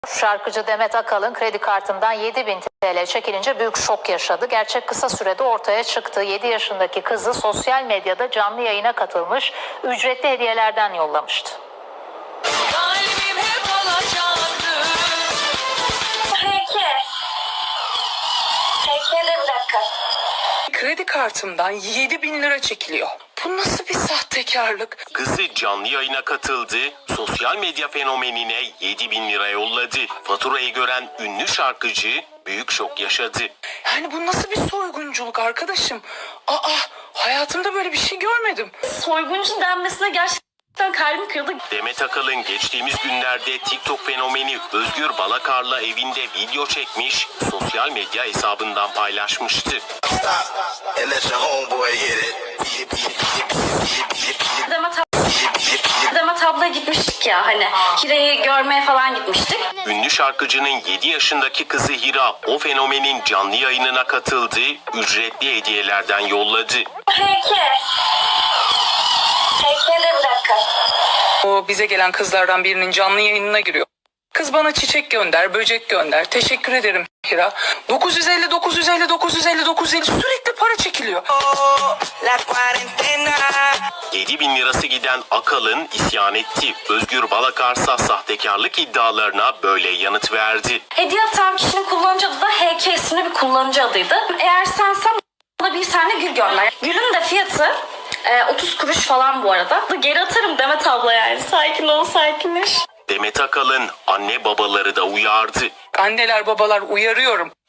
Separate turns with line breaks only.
Şarkıcı Demet Akalın kredi kartından 7.000 TL çekilince büyük şok yaşadı. Gerçek kısa sürede ortaya çıktı. 7 yaşındaki kızı sosyal medyada canlı yayına katılmış, ücretli hediyelerden yollamıştı.
Peki bir dakika.
Kredi kartımdan 7.000 lira çekiliyor. Bu nasıl bir sahtekarlık?
Kızı canlı yayına katıldı, sosyal medya fenomenine 7.000 lira yolladı. Faturayı gören ünlü şarkıcı büyük şok yaşadı.
Yani bu nasıl bir soygunculuk arkadaşım? Hayatımda böyle bir şey görmedim.
Soyguncu denmesine gerçekten kalbim kırıldı.
Demet Akalın geçtiğimiz günlerde TikTok fenomeni Özgür Balakar'la evinde video çekmiş, sosyal medya hesabından paylaşmıştı.
Demet abla gitmiştik ya hani Hira'yı görmeye falan gitmiştik.
Ünlü şarkıcının 7 yaşındaki kızı Hira o fenomenin canlı yayınına katıldı, ücretli hediyelerden yolladı.
Peki bir dakika.
O bize gelen kızlardan birinin canlı yayınına giriyor. Kız bana çiçek gönder, böcek gönder. Teşekkür ederim Hira. 950 sürekli para çekiliyor.
7.000 lirası giden Akalın isyan etti. Özgür Balakarsa sahtekarlık iddialarına böyle yanıt verdi.
Hediye atan kişinin kullanıcı adı da HK isimli bir kullanıcı adıydı. Eğer sensen bana bir tane gül gönder. Gülün de fiyatı 30 kuruş falan bu arada. Geri atarım Demet abla yani. Sakin ol, sakinleş.
Demet Akalın anne babaları da uyardı.
Anneler babalar uyarıyorum.